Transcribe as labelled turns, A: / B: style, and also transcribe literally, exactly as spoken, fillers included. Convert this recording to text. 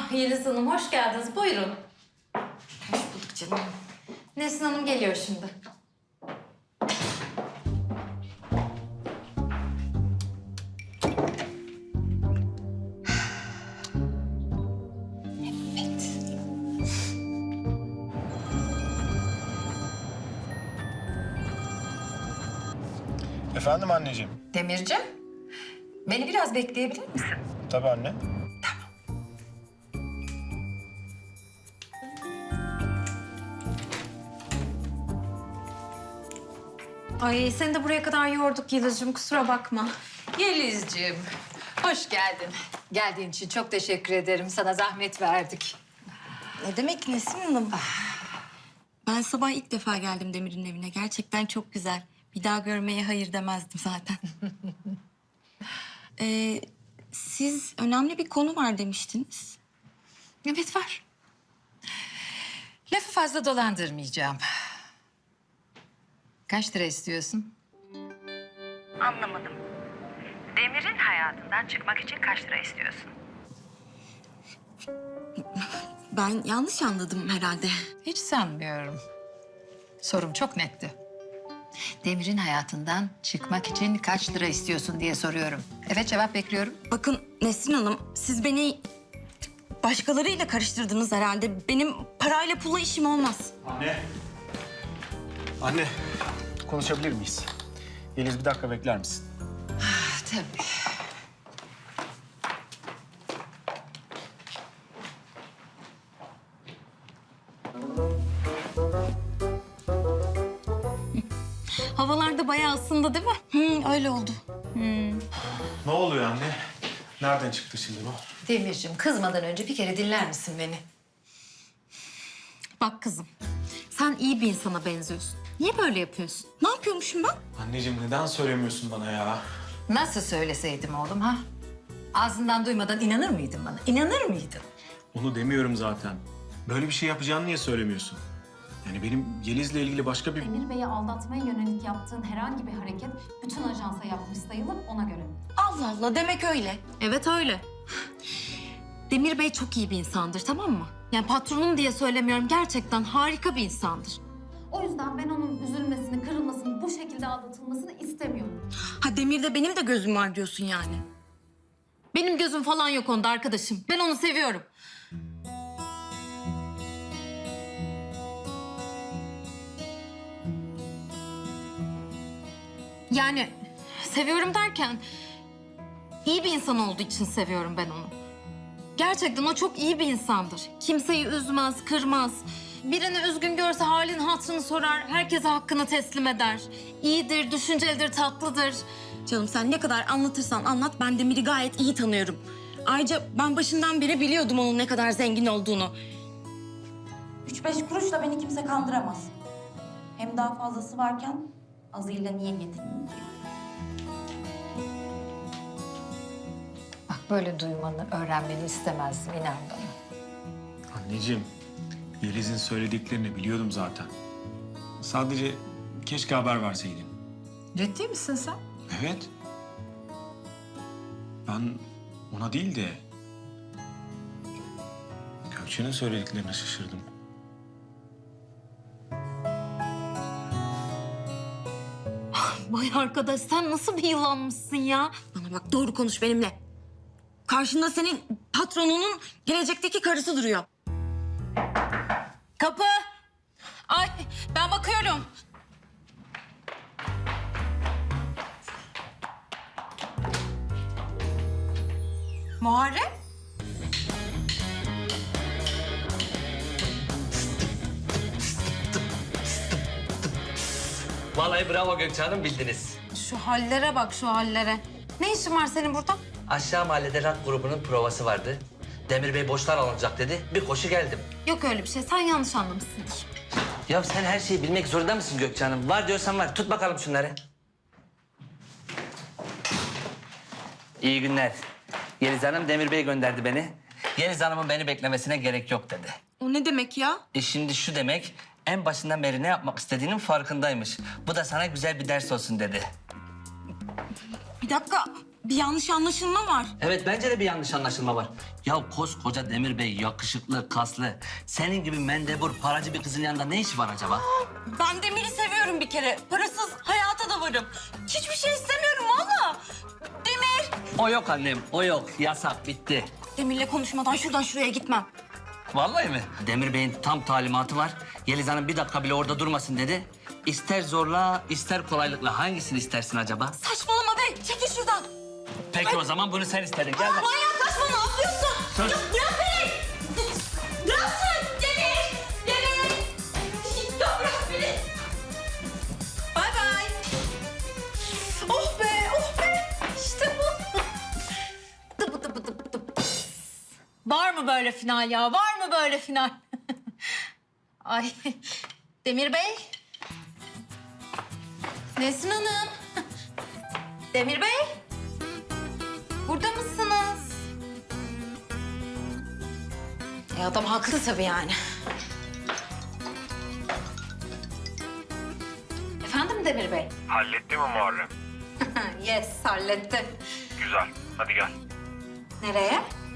A: Ah Yeliz Hanım hoş geldiniz. Buyurun.
B: Hoş bulduk canım.
A: Nesrin Hanım geliyor şimdi.
C: Efendim anneciğim?
B: Demircim, beni biraz bekleyebilir misin?
C: Tabii anne.
A: Ay seni de buraya kadar yorduk Yeliz'cim kusura bakma.
B: Yelizciğim, hoş geldin. Geldiğin için çok teşekkür ederim. Sana zahmet verdik.
D: Ne demek Nesrin Hanım? Ben sabah ilk defa geldim Demir'in evine. Gerçekten çok güzel. Bir daha görmeye hayır demezdim zaten. ee, siz önemli bir konu var demiştiniz.
B: Evet var. Lafı fazla dolandırmayacağım. Kaç lira istiyorsun?
E: Anlamadım. Demir'in hayatından çıkmak için kaç lira istiyorsun?
D: Ben yanlış anladım herhalde.
B: Hiç sanmıyorum. Sorum çok netti. Demir'in hayatından çıkmak için kaç lira istiyorsun diye soruyorum. Evet, cevap bekliyorum.
D: Bakın Nesrin Hanım, siz beni başkalarıyla karıştırdınız herhalde. Benim parayla pulla işim olmaz.
C: Anne. Anne, konuşabilir miyiz? Yeliz bir dakika bekler misin?
B: Ah, tabii.
D: Havalarda bayağı ısındı değil mi? Hı, öyle oldu.
C: Ne oluyor anne? Nereden çıktı şimdi bu?
B: Demirciğim, kızmadan önce bir kere dinler misin beni?
D: Bak kızım, sen iyi bir insana benziyorsun. Niye böyle yapıyorsun? Ne yapıyormuşum ben?
C: Anneciğim neden söylemiyorsun bana ya?
B: Nasıl söyleseydim oğlum ha? Ağzından duymadan inanır mıydın bana? İnanır mıydın?
C: Onu demiyorum zaten. Böyle bir şey yapacağını niye söylemiyorsun? Yani benim Yeliz'le ilgili başka bir...
F: Demir Bey'i aldatmaya yönelik yaptığın herhangi bir hareket bütün ajansa yapmış sayılır ona göre.
D: Allah Allah, demek öyle. Evet öyle. Demir Bey çok iyi bir insandır, tamam mı? Yani patronum diye söylemiyorum, gerçekten harika bir insandır.
F: O yüzden ben onun üzülmesini, kırılmasını, bu şekilde aldatılmasını istemiyorum.
D: Ha Demir'de benim de gözüm var diyorsun yani. Benim gözüm falan yok onda arkadaşım. Ben onu seviyorum. Yani seviyorum derken iyi bir insan olduğu için seviyorum ben onu. Gerçekten o çok iyi bir insandır. Kimseyi üzmez, kırmaz. Birini üzgün görse halin hatırını sorar, herkese hakkını teslim eder. İyidir, düşüncelidir, tatlıdır. Canım sen ne kadar anlatırsan anlat, ben Demir'i gayet iyi tanıyorum. Ayrıca ben başından beri biliyordum onun ne kadar zengin olduğunu.
G: Üç beş kuruşla beni kimse kandıramaz. Hem daha fazlası varken azıyla niye yetineyim ki?
B: Bak böyle duymanı, öğrenmeni istemezdim, inan bana.
C: Anneciğim, Yeliz'in söylediklerini biliyordum zaten. Sadece keşke haber verseydin.
B: Ciddi misin sen?
C: Evet. Ben ona değil de... Gökçe'nin söylediklerine şaşırdım.
D: Vay arkadaş sen nasıl bir yılanmışsın ya? Bana bak doğru konuş benimle. Karşında senin patronunun gelecekteki karısı duruyor. Kapı. Ay ben bakıyorum. Muharrem?
H: Vallahi bravo Gökçe Hanım, bildiniz.
A: Şu hallere bak şu hallere. Ne işin var senin burada?
H: Aşağı mahallede rock grubunun provası vardı. Demir Bey boşlar alınacak dedi. Bir koşu geldim.
A: Yok öyle bir şey sen yanlış anlamışsındır.
H: Ya sen her şeyi bilmek zorunda mısın Gökçe Hanım? Var diyorsan var. Tut bakalım şunları. İyi günler. Yeliz Hanım Demir Bey gönderdi beni. Yeliz Hanım'ın beni beklemesine gerek yok dedi.
D: O ne demek ya?
H: E şimdi şu demek, en başından beri ne yapmak istediğinin farkındaymış. Bu da sana güzel bir ders olsun dedi.
D: Bir dakika. bir yanlış anlaşılma var.
H: Evet bence de bir yanlış anlaşılma var. Ya koskoca Demir Bey yakışıklı, kaslı. Senin gibi mendebur, paracı bir kızın yanında ne işi var acaba?
D: Ben Demir'i seviyorum bir kere. Parasız hayata da varım. Hiçbir şey istemiyorum valla. Demir!
H: O yok annem, o yok. Yasak, bitti.
D: Demir'le konuşmadan şuradan şuraya gitmem.
H: Vallahi mi? Demir Bey'in tam talimatı var. Yeliz Hanım bir dakika bile orada durmasın dedi. İster zorla, ister kolaylıkla. Hangisini istersin acaba?
D: Saçmalama be, çekil şuradan.
H: Peki o zaman bunu sen istedin. Gel bak.
D: Manyaklaşma, ne yapıyorsun?
H: Söz.
D: Ya bırak beni! Bırak sen! Demir! Demir! Ya bırak beni! Bay bay! Oh be, oh be! İşte bu! Dıp dıp dıp dıp. Var mı böyle final ya? Var mı böyle final? Ay, Demir Bey. Nesrin Hanım. Demir Bey. Burada mısınız?
A: E adam haklı tabii yani.
D: Efendim Demir Bey?
I: Halletti mi Muharrem?
D: Yes, hallettim.
I: Güzel. Hadi gel.
D: Nereye?